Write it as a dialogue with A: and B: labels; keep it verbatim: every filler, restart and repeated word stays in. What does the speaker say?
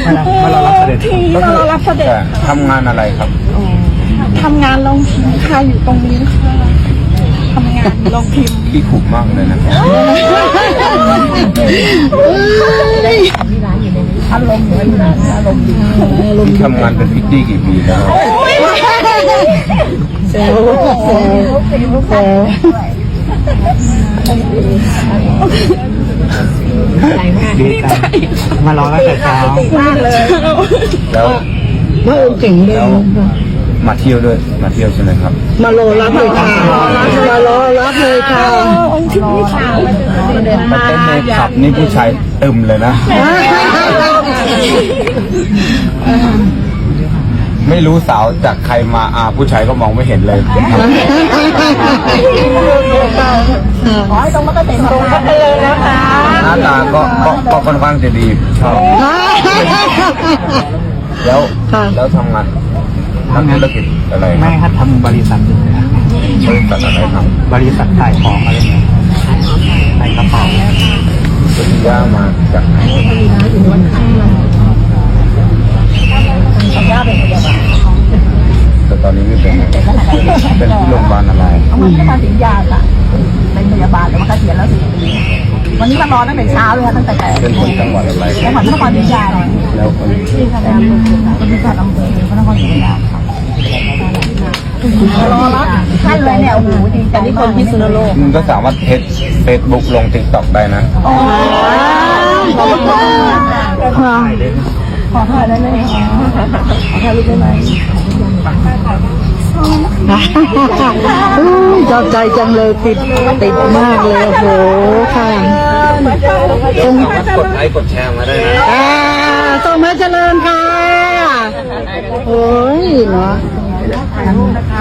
A: มารอรับเสด็จ
B: มารอรับเสด็จ
C: ทำงานอะไรครับ
B: ทำงานลงพิมพ์ค่ะอยู่ตรงนี้ค่ะทำงานลงพิมพ์
C: ขี้ขุ่มากเลยนะอารมณ์เหมือนอารมณ์ดีทำงานเป็นพิตตี้กี่ปีแล้ว
A: เซลเซลเซลดีใจมารอตั้งแต่เช้ามากเลย
C: แล้ว
A: ว่าองค์เก่งเลย
C: มาเที่ยวด้วยมาเที่ยวใช่ไหมครับ
A: มารอรับเลยค่ะมารอรับเลยค่ะ
B: องค์ที่นี่ค่ะ
C: มาเต้นในผับนี่ผู้ชายตึมเลยนะไม่รู้สาวจากใครมาอาผู้ชายก็มองไม่เห็นเลย
B: ขอให้ตรงมาก็เต็มตรงก็เลยนะคะ
C: หน้าตาก็ก็ค่อนข้างจะดีชอบแล้วแล้วทำงานทำธุรกิจอะไร
A: ไม่ครับทำบริษัท
C: บริษัทอะไรครับ
A: บริษัทขายของอะไรเงี้ยขายกระเป๋า
C: ปริญญามาจากไหนแต่ตอนนี้ไม่เป็นเป็นที่โรงพยาบาลอะไร
B: มันก็มาถึงยาจ้ะเป็นพยาบาลแล้วมันก็เสียแล้วสิวันนี้มารอตั้งแต่เช้าเลยตั้งแต่แต่
C: เป็นคนจังหวัดอะไร
B: จังหวัดนครศรีธรรมราช
C: แล้วคน
B: ที่ทำงานเป็นผู้การอำเภอพระนครศรีธรรมราชรอรับท่านเลยเนี่ยโอ้โหดีใจที่คนพิษณุโลก
C: มึงก็สามารถเทสเฟซบุ๊กลงติ๊กต็อกได้นะ
B: อ๋อขอบคุณค่ะขอถ่ายได้เลยค่ะขอถ่ายรูปได้ไหม
A: ชอบใจจังเลยติดติดมากเลยโอ้โหค่ะ
C: ส่งกดไลค์กดแชร์มาได้นะ
A: อ่าส่งมาเจริญค่ะโอ้ยเนาะ